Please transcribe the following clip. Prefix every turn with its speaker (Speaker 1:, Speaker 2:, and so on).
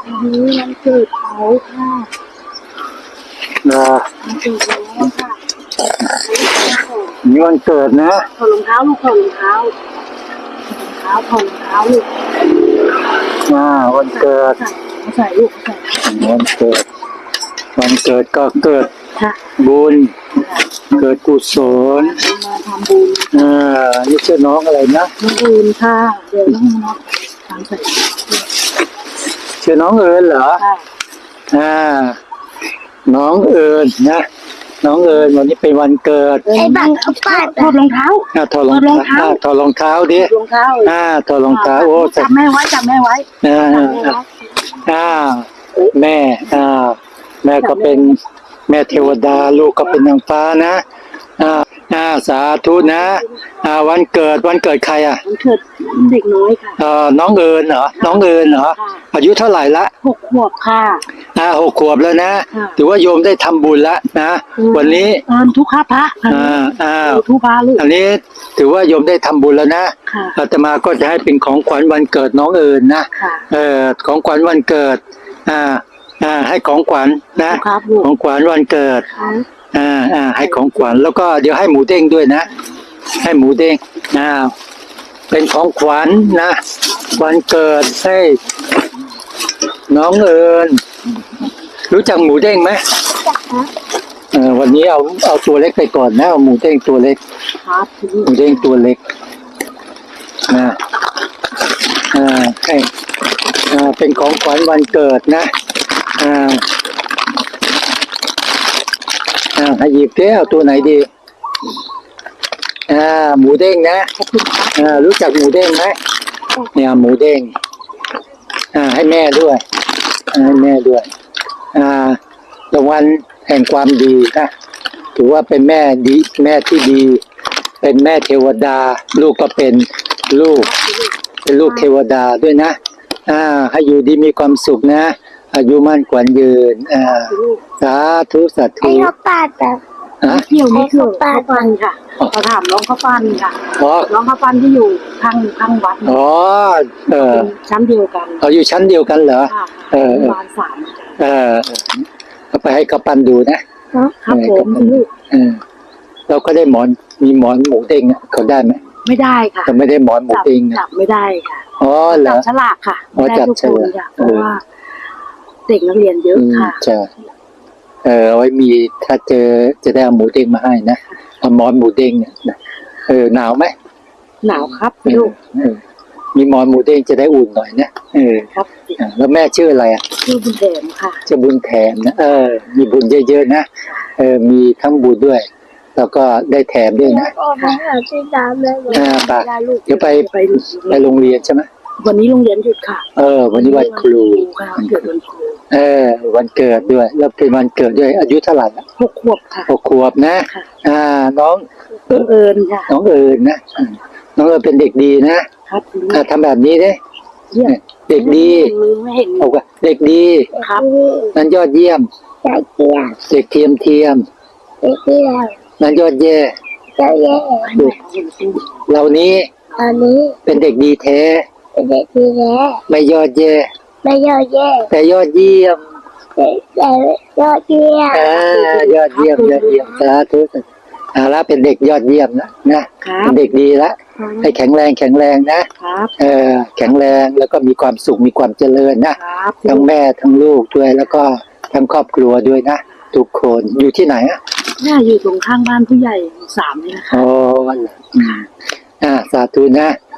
Speaker 1: วันนี้วันเกิดเขาค่ะวันเกิดแล้วค่ะ
Speaker 2: นี่วันเกิดนะ
Speaker 1: ถอดรองเท้าลูกถอดรองเท้าถอดรองเท้าลูก
Speaker 2: วันเกิด
Speaker 1: ใส่ลูกใส่
Speaker 2: วันเกิดก็เกิดบุญเกิดกุศล
Speaker 1: มาทำบุญ
Speaker 2: นี่ชื่อน้องอะไรนะ
Speaker 1: น้องบุญค่ะเดี๋ยวน้องน้องทำใส่
Speaker 2: ชื่อน้องเอิญเหรอน้องเอิญนะน้องเอิญวันนี้เป็นวันเกิด
Speaker 1: ไอ้บังเขาปาดถอดรองเท้า
Speaker 2: ถอดรองเท้าถอดรองเท้าดิ
Speaker 1: รองเท้า
Speaker 2: ถอดรองเท้าโอ้
Speaker 1: จับแม่ไว้
Speaker 2: แม่แม่ก็เป็นแม่เทวดาลูกก็เป็นนางฟ้านะสาธุนะวันเกิดใคร
Speaker 1: วันเกิดเด็กน้อยค่ะ
Speaker 2: น้องเอิญเหรอน้องเอิญเหรออายุเท่าไหร่ละ
Speaker 1: 6 ขวบค่ะ
Speaker 2: 6 ขวบแล้วนะถือว่าโยมได้ทำบุญแล้วนะวันนี้
Speaker 1: ทุกข้าพระทุกพระลูก
Speaker 2: อันนี้ถือว่าโยมได้ทำบุญแล้วนะอาตมาก็จะให้เป็นของขวัญวันเกิดน้องเอิญนะของขวัญวันเกิดให้ของขวัญนะของขวัญวันเกิดให้ของขวัญแล้วก็เดี๋ยวให้หมูเด้งด้วยนะให้หมูเด้งเป็นของขวัญนะวันเกิดให้น้องเอิญรู้จักหมูเด้งไหมวันนี้เอาตัวเล็กไปก่อนนะเอาหมูเด้งตัวเล็กหมูเด้งตัวเล็กให้เป็นของขวัญวันเกิดนะให้หยิบเจ้าตัวไหนดีหมูเด้งนะรู้จักหมูเด้งไหมเนี่ยหมูเด้งให้แม่ด้วยให้แม่ด้วยรางวัลแห่งความดีนะถือว่าเป็นแม่ดีแม่ที่ดีเป็นแม่เทวดาลูกก็เป็นลูกเทวดาด้วยนะให้อยู่ดีมีความสุขนะอายุมั่นขวัญยืนสาธุสาธุ
Speaker 1: ให้เขาปาดเกี่ยวนี่คือข้าวปั้นค่ะเขาถามน้องข้าวปั้นค่ะน้องข้าวปั้นที่อยู่ข้างวัดชั้นเดียวกัน
Speaker 2: อยู่ชั้นเดียวกันเหรอ
Speaker 1: บ้าน3
Speaker 2: เอาไปให้ข้าวปั้นดูนะครับ
Speaker 1: ผมลูก
Speaker 2: เราก็ได้มีหมอนหมูเด้งเขาได้ไหม
Speaker 1: ไม่ได้ค่ะ
Speaker 2: แต่ไม่ได้หมอนหมูเด้ง
Speaker 1: จับไม่ได้ค่ะ
Speaker 2: เหรอ
Speaker 1: จับฉลากค่ะไม่ได้ทุกคนค่ะเพราะว่าเด็กนักเรียนเยอะค่ะ
Speaker 2: ใช่เอาไว้มีถ้าเจอจะได้เอาหมูเด้งมาให้นะเอาหมอนหมูเด้งเนี่ยหนาวไหม
Speaker 1: หนาวครับลูก
Speaker 2: มีหมอนหมูเด้งจะได้อุ่นหน่อยนะครับแล้วแม่ชื่ออะไร
Speaker 1: ชื่อบุญแถมค่ะ
Speaker 2: ชื่อบุญแถมนะมีบุญเยอะๆนะมีทั้งบุญด้วยแล้วก็ได้แถมด้วยนะเดี๋ยวไปโรงเรียนใช่ไหม
Speaker 1: วันนี้โรงเรียนหยุดค่ะ
Speaker 2: วันนี้วันครู
Speaker 1: วันเกิดวันครู
Speaker 2: วันเกิดด้วยแล้วเป็นวันเกิดด้วยอายุเท่าไหร่
Speaker 1: 6 ขวบค่ะ
Speaker 2: 6 ขวบนะน้อง
Speaker 1: เอิญค่ะ
Speaker 2: น้องเอิญนะน้องเอิญเป็นเด็กดีนะครับทำแบบนี้เด้เด็กดีเอาว่าเด็กดี
Speaker 1: ครับ
Speaker 2: นั้นยอดเยี่ยมเด็กเทียมนั้นยอดแย่เหล่านี้เป็นเด็กดีแท้ไม่ยอดแย่แต่ยอดเยี่ยมยอดเยี่ยมสาธุแล้วเป็นเด็กยอดเยี่ยมนะเป็นเด็กดีละให้แข็งแรงนะแข็งแรงแล้วก็มีความสุขมีความเจริญนะทั้งแม่ทั้งลูกด้วยแล้วก็ทั้งครอบครัวด้วยนะทุกคนอยู่ที่ไหน
Speaker 1: อยู่ตรงข้างบ้านผู้ใหญ่3นี่นะคะ
Speaker 2: สาธุนะ